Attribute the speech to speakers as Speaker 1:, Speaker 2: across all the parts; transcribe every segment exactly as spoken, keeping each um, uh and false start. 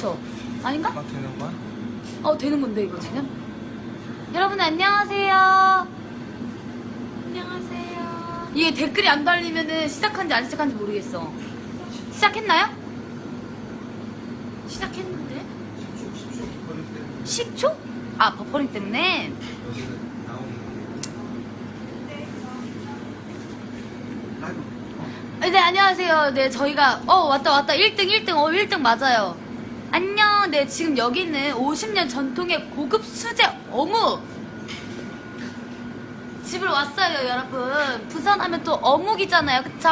Speaker 1: 그쵸? 아닌가?
Speaker 2: 막 되는 거야?
Speaker 1: 어 되는 건데 이거 지금? 여러분 안녕하세요. 안녕하세요. 이게 댓글이 안 달리면은 시작한지 안 시작한지 모르겠어. 시작했나요? 시작했는데? 십 초? 아 버퍼링 때문에? 네 안녕하세요. 네 저희가 어 왔다 왔다 일 등 일 등 어 일 등 맞아요. 안녕. 네 지금 여기는 오십 년 전통의 고급 수제 어묵 집으로 왔어요 여러분. 부산 하면 또 어묵이잖아요 그쵸?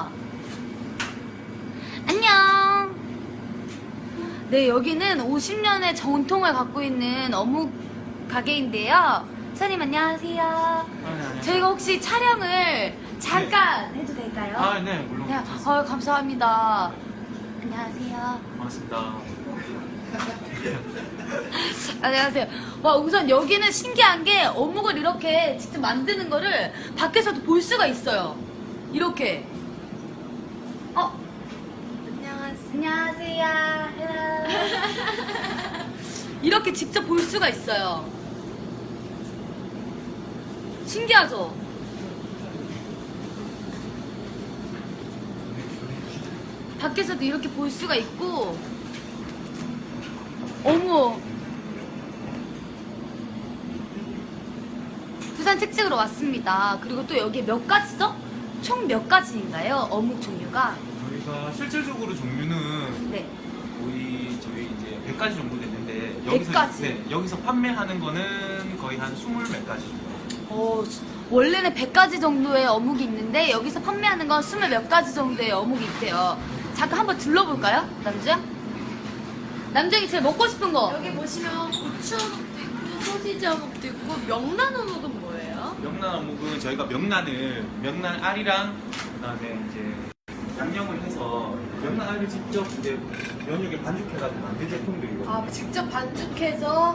Speaker 1: 안녕. 네 여기는 오십 년의 전통을 갖고 있는 어묵 가게인데요. 사장님 안녕하세요.
Speaker 2: 아, 네, 안녕하세요.
Speaker 1: 저희가 혹시 촬영을 잠깐 네. 해도 될까요?
Speaker 2: 아, 네, 물론.
Speaker 1: 네,
Speaker 2: 괜찮습니다.
Speaker 1: 어, 감사합니다. 안녕하세요.
Speaker 2: 반갑습니다.
Speaker 1: 안녕하세요. 와, 우선 여기는 신기한 게 어묵을 이렇게 직접 만드는 거를 밖에서도 볼 수가 있어요. 이렇게. 어? 안녕하세요. 안녕하세요. 이렇게 직접 볼 수가 있어요. 신기하죠? 밖에서도 이렇게 볼 수가 있고. 어머 부산 특집으로 왔습니다. 그리고 또 여기 몇 가지죠? 총 몇 가지인가요? 어묵 종류가?
Speaker 2: 저희가 실질적으로 종류는
Speaker 1: 네.
Speaker 2: 거의 저희 이제 백 가지 정도 됐는데
Speaker 1: 백
Speaker 2: 여기서
Speaker 1: 가지?
Speaker 2: 네, 여기서 판매하는 거는 거의 한 스물 몇 가지 정도.
Speaker 1: 어, 원래는 백 가지 정도의 어묵이 있는데 여기서 판매하는 건 스물 몇 가지 정도의 어묵이 있대요. 잠깐 한번 둘러볼까요? 남주야? 남주이 제일 먹고 싶은 거.
Speaker 3: 여기 보시면 고추 어묵도 있고 소시지 어묵도 있고 명란 어묵은 뭐예요?
Speaker 2: 명란 어묵은 저희가 명란을 명란 알이랑 그다음에 이제 양념을 해서 명란 알을 직접 이제 면역에 반죽해가지고 만든 제품들이거든요.
Speaker 3: 아 직접 반죽해서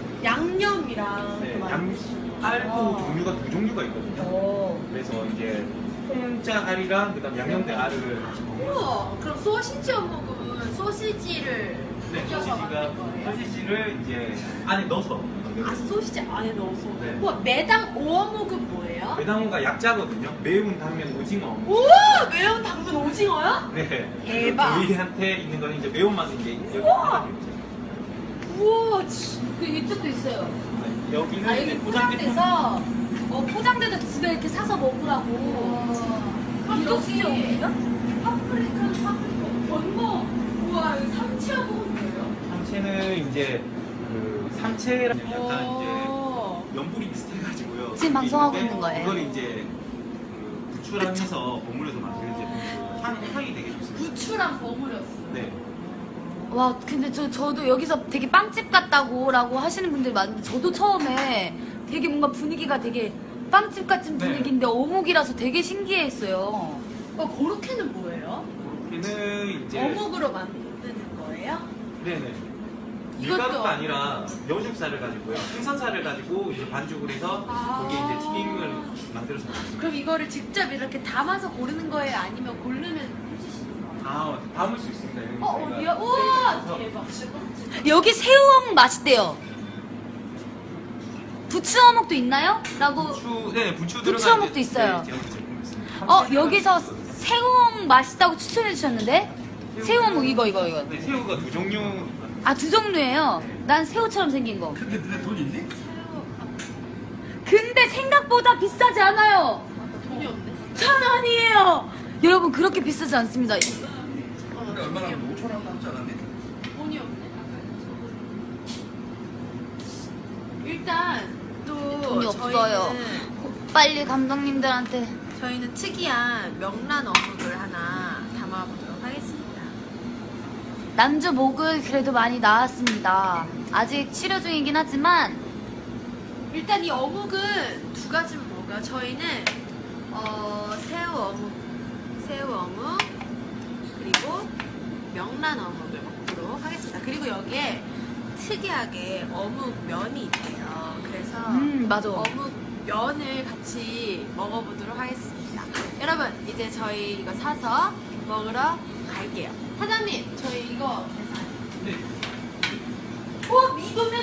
Speaker 3: 양념이랑
Speaker 2: 네,
Speaker 3: 그
Speaker 2: 양 알도
Speaker 3: 어.
Speaker 2: 종류가 두 종류가 있거든요.
Speaker 3: 오.
Speaker 2: 그래서 이제 통짜 알이랑 그다음 양념된 알을 같이 먹어요.
Speaker 3: 우와 그럼 소시지 어묵은 소시지를
Speaker 2: 네,
Speaker 3: 녹여서
Speaker 2: 소시지가
Speaker 3: 만든 거예요?
Speaker 2: 소시지를 이제 안에 넣어서
Speaker 3: 아 소시지 안에 넣어서
Speaker 2: 네.
Speaker 3: 우와 매당 오어묵은 뭐예요?
Speaker 2: 매당어가 약자거든요. 매운 당면 오징어.
Speaker 3: 우와 매운 당근 오징어요?
Speaker 2: 네.
Speaker 3: 대박.
Speaker 2: 저희한테 있는 거는 이제 매운맛이 이제 여기 하나가 있죠.
Speaker 3: 우와 지-
Speaker 1: 그 이쪽도 있어요.
Speaker 2: 네, 여기는
Speaker 1: 아
Speaker 2: 이제
Speaker 1: 여기
Speaker 2: 포장돼서
Speaker 1: 포장돼서 어 포장돼서 집에 이렇게 사서 먹으라고.
Speaker 3: 그럼
Speaker 1: 이거
Speaker 3: 여기
Speaker 1: 진짜 어묵이야?
Speaker 3: 파프리카 파프리카 건거 우와 여기 삼치 어묵은 뭐예요?
Speaker 2: 삼채는 이제 그 삼채랑 약간
Speaker 3: 어.
Speaker 2: 이제 연불이 비슷해가지고요.
Speaker 1: 지금 방송하고
Speaker 2: 있는데
Speaker 1: 있는 거예요.
Speaker 2: 이걸 이제 그 부추랑 해서 버무려서 만드는 제품. 향 향이 되게 좋습니다.
Speaker 3: 부추랑 버무렸어.
Speaker 2: 네.
Speaker 1: 와 근데 저, 저도 여기서 되게 빵집 같다고 라고 하시는 분들이 많은데 저도 처음에 되게 뭔가 분위기가 되게 빵집 같은
Speaker 2: 네.
Speaker 1: 분위기인데 어묵이라서 되게 신기했어요.
Speaker 3: 어, 고로케는 뭐예요?
Speaker 2: 얘는 이제
Speaker 3: 어묵으로 만드는 거예요?
Speaker 2: 네네.
Speaker 3: 이것도
Speaker 2: 밀가루가 아니라 여죽살을 가지고요. 생선살을 가지고 이제 반죽을 해서
Speaker 3: 아.
Speaker 2: 거기에 이제 튀김을 만들어서 먹습니다.
Speaker 3: 그럼 이거를 직접 이렇게 담아서 고르는 거예요? 아니면 고르면 해주시는 거예요?
Speaker 2: 아, 담을 수 있습니다. 여기
Speaker 3: 어,
Speaker 2: 저희가
Speaker 3: 어디야? 우와!
Speaker 2: 그래서
Speaker 3: 대박.
Speaker 1: 여기 새우어묵 맛있대요. 부추어묵도 있나요? 라고
Speaker 2: 부추, 네, 부추
Speaker 1: 부추
Speaker 2: 들어간
Speaker 1: 어묵도
Speaker 2: 이제-
Speaker 1: 있어요.
Speaker 2: 네, 제품 제품 있습니다.
Speaker 1: 어
Speaker 2: 삼채
Speaker 1: 여기서
Speaker 2: 들어간
Speaker 1: 새우어묵 맛있다고 추천해 주셨는데 새우어묵 이거 이거 이거
Speaker 2: 네, 새우가 두 종류.
Speaker 1: 아 두 종류예요. 난 새우처럼 생긴 거.
Speaker 2: 근데 눈에 돈 있니?
Speaker 1: 근데 생각보다 비싸지 않아요.
Speaker 3: 돈이 없네.
Speaker 1: 천 원이에요. 여러분 그렇게 비싸지 않습니다.
Speaker 2: 근데 얼마나 오천 원 남지 않았니?
Speaker 3: 돈이 없네. 일단 또
Speaker 1: 돈이 없어요.
Speaker 3: 저희는,
Speaker 1: 빨리 감독님들한테.
Speaker 3: 저희는 특이한 명란 어묵을 하나 담아보도록 하겠습니다.
Speaker 1: 남주 목은 그래도 많이 나았습니다. 아직 치료 중이긴 하지만
Speaker 3: 일단 이 어묵은 두 가지를 먹어요. 저희는 어, 새우 어묵, 새우 어묵 그리고 명란 어묵을 먹도록 하겠습니다. 그리고 여기에 특이하게 어묵 면이 있대요. 그래서
Speaker 1: 음 맞아.
Speaker 3: 어묵 면을 같이 먹어보도록 하겠습니다. 여러분 이제 저희 이거 사서 먹으러 갈게요. 사장님 저희 이거 계산.
Speaker 2: 네.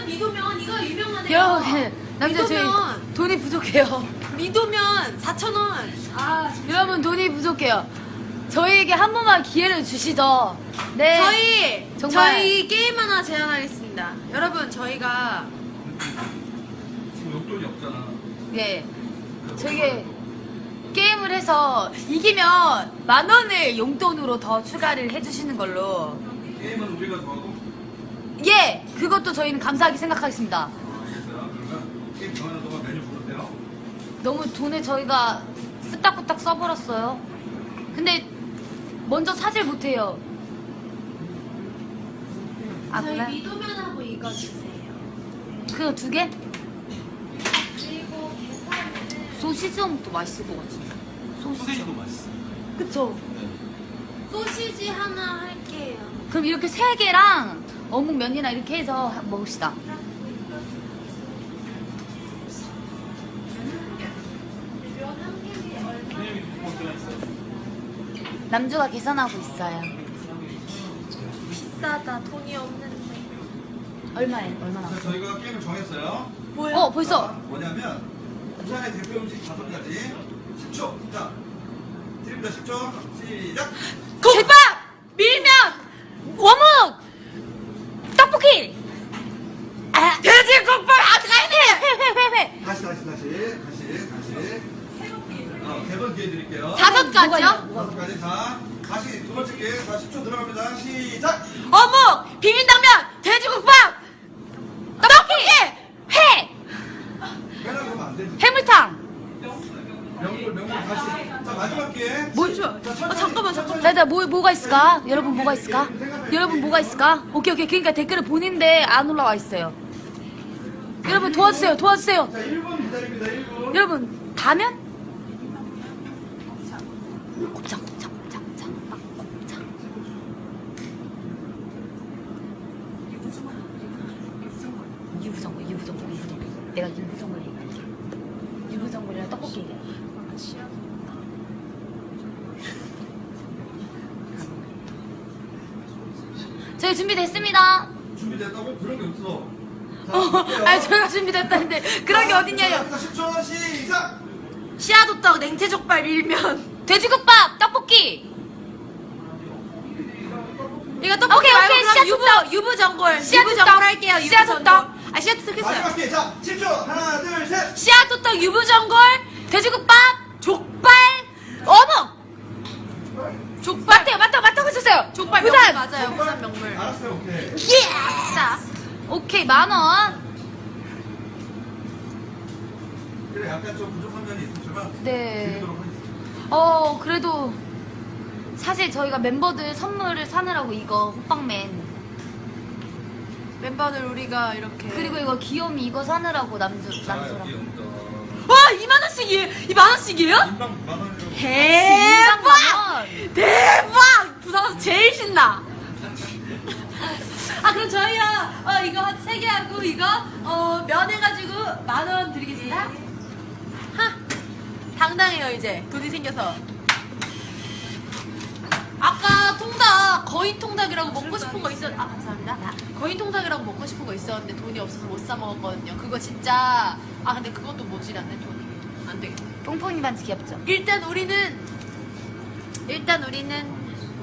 Speaker 3: 미도면 이거 유명하네요.
Speaker 1: 여러분, 남자 저희
Speaker 3: 미도면
Speaker 1: 돈이 부족해요.
Speaker 3: 미도면 사천 원. 아
Speaker 1: 여러분, 돈이 부족해요. 저희에게 한 번만 기회를 주시죠. 네.
Speaker 3: 저희
Speaker 1: 정말.
Speaker 3: 저희 게임 하나 제안하겠습니다. 여러분 저희가
Speaker 2: 지금 용돈이 없잖아.
Speaker 1: 예. 저게 게임을 해서 이기면 만 원을 용돈으로 더 추가를 해주시는 걸로.
Speaker 2: 게임은 우리가 정하고.
Speaker 1: 예, 그것도 저희는 감사하게 생각하겠습니다.
Speaker 2: 알겠어요. 그러면 게임 정하는 동안 메뉴 부르세요.
Speaker 1: 너무 돈을 저희가 후딱후딱 써버렸어요. 근데 먼저 사질 못해요. 아,
Speaker 3: 저희
Speaker 1: 그래?
Speaker 3: 미도면하고 이거 주세요.
Speaker 1: 그거 두 개?
Speaker 3: 그리고 계산은
Speaker 1: 소시지 어묵도 맛있을 것 같지? 소시지.
Speaker 2: 소세지도 맛있어.
Speaker 1: 그쵸?
Speaker 2: 네.
Speaker 3: 소시지 하나 할게요.
Speaker 1: 그럼 이렇게 세 개랑 어묵 면이나 이렇게 해서 먹읍시다.
Speaker 3: 면한 개에 얼마?
Speaker 2: 선생님이 두번 들어 있어요.
Speaker 1: 남주가 계산하고 있어요.
Speaker 3: 비싸다. 돈이 없는데.
Speaker 1: 얼마에? 얼마나?
Speaker 4: 자, 저희가 게임을 정했어요.
Speaker 3: 뭐야?
Speaker 1: 어, 벌써.
Speaker 4: 자, 뭐냐면 부산의 대표 음식 다섯 가지. 십 초. 자, 드립니다. 십 초. 시작.
Speaker 1: 국밥! 밀면! 어묵! 떡볶이! 아, 돼지국밥! 아, 회회회회!
Speaker 4: 다시 다시 다시 다시 다시. 어, 세번 기회 드릴게요.
Speaker 3: 다섯 가지요?
Speaker 4: 다섯 가지. 자, 다시 두 번째 기회. 자, 십 초 들어갑니다. 시작.
Speaker 1: 어묵! 비빔당면! 돼지국밥! 떡볶이! 회!
Speaker 4: 빼라고 하면 안 되지.
Speaker 1: 해물탕!
Speaker 4: 명물 명물 다시. 자, 마지막 기회.
Speaker 1: 뭐-
Speaker 4: 자, 천천히,
Speaker 3: 어, 잠깐만,
Speaker 4: 천천히.
Speaker 1: 자, 자, 뭐, 뭐가 있을까? 여러분, 뭐가 있을까? 여러분, 뭐가 있을까? 오케이, 오케이. 그러니까 댓글을 보는데 안 올라와 있어요. 여러분, 도와주세요, 도와주세요.
Speaker 4: 자, 일 분 기다립니다. 일 분.
Speaker 1: 여러분, 다면? 곱창, 곱창, 곱창, 곱창, 막 곱창. 유부정글, 유부정글, 유부정글. 내가 유부정글 얘기할게. 유부정글이랑 떡볶이 얘기해. 저희 준비됐습니다.
Speaker 4: 준비됐다고? 그런 게 없어. 자,
Speaker 1: 어,
Speaker 4: 볼게요.
Speaker 1: 아니, 저희가 준비됐다는데 그런 게 어딨냐요.
Speaker 4: 자, 십 초 시작.
Speaker 3: 씨앗호떡, 냉채족발, 밀면.
Speaker 1: 돼지국밥, 떡볶이.
Speaker 3: 이거 떡볶이
Speaker 1: 오케이,
Speaker 3: 말고
Speaker 1: 오케이,
Speaker 3: 그럼
Speaker 1: 씨앗호떡.
Speaker 3: 유부 유부 전골.
Speaker 1: 씨앗호떡.
Speaker 3: 유부 전골 할게요. 유부
Speaker 1: 씨앗호떡.
Speaker 3: 전골. 아 씨앗호떡 했어요.
Speaker 4: 마지막 기회. 자, 십 초. 하나, 둘, 셋.
Speaker 1: 씨앗호떡, 유부전골, 돼지국밥, 족발, 어묵. 족발. 맞대요, 맞다고, 맞다고 했었어요.
Speaker 3: 족발
Speaker 1: 부산.
Speaker 3: 명물 맞아요. 부산 명물.
Speaker 4: 알았어요. 오케이.
Speaker 1: 예!
Speaker 3: 자,
Speaker 1: 오케이, 만 원.
Speaker 4: 그래, 약간 좀 부족한 면이 있었지만
Speaker 1: 네.
Speaker 4: 드리도록 하겠습니다.
Speaker 1: 어, 그래도 사실 저희가 멤버들 선물을 사느라고 이거 호빵맨.
Speaker 3: 멤버들 우리가 이렇게.
Speaker 1: 그리고 이거 귀요미 이거 사느라고 남주,
Speaker 2: 자,
Speaker 1: 남주랑.
Speaker 2: 여기 온다.
Speaker 3: 와 이만 원씩이에요. 이만 원씩이에요?
Speaker 4: 인당 만 원이라고.
Speaker 3: 대박!
Speaker 1: 만 원.
Speaker 3: 대박! 부산 와서 제일 신나. 아 그럼 저희요 어 이거 세 개 하고 이거 어면 해가지고 만 원 드리겠습니다. 하 당당해요 이제 돈이 생겨서. 아까 통닭 거인 통닭이라고 먹고 싶은 거 있었. 아 감사합니다. 거인 통닭이라고 먹고 싶은 거 있었는데 돈이 없어서 못 사 먹었거든요. 그거 진짜 아 근데 그것도 모질않네 돈이. 안 되겠다.
Speaker 1: 뽕뽕이 반지 귀엽죠?
Speaker 3: 일단 우리는 일단 우리는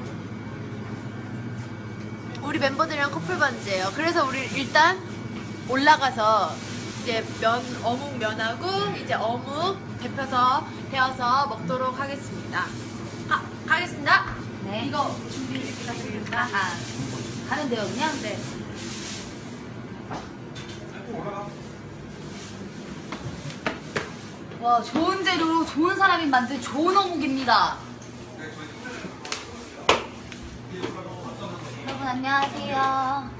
Speaker 3: 우리 멤버들이랑 커플 반지예요. 그래서 우리 일단 올라가서 이제 면 어묵 면하고 이제 어묵 데펴서 데워서 먹도록 하겠습니다. 가 가겠습니다.
Speaker 1: 네.
Speaker 3: 이거 준비 부탁드립니다.
Speaker 1: 아, 가면 돼요, 그냥?
Speaker 3: 네.
Speaker 1: 와, 좋은 재료로 좋은 사람이 만든 좋은 어묵입니다. 여러분, 안녕하세요.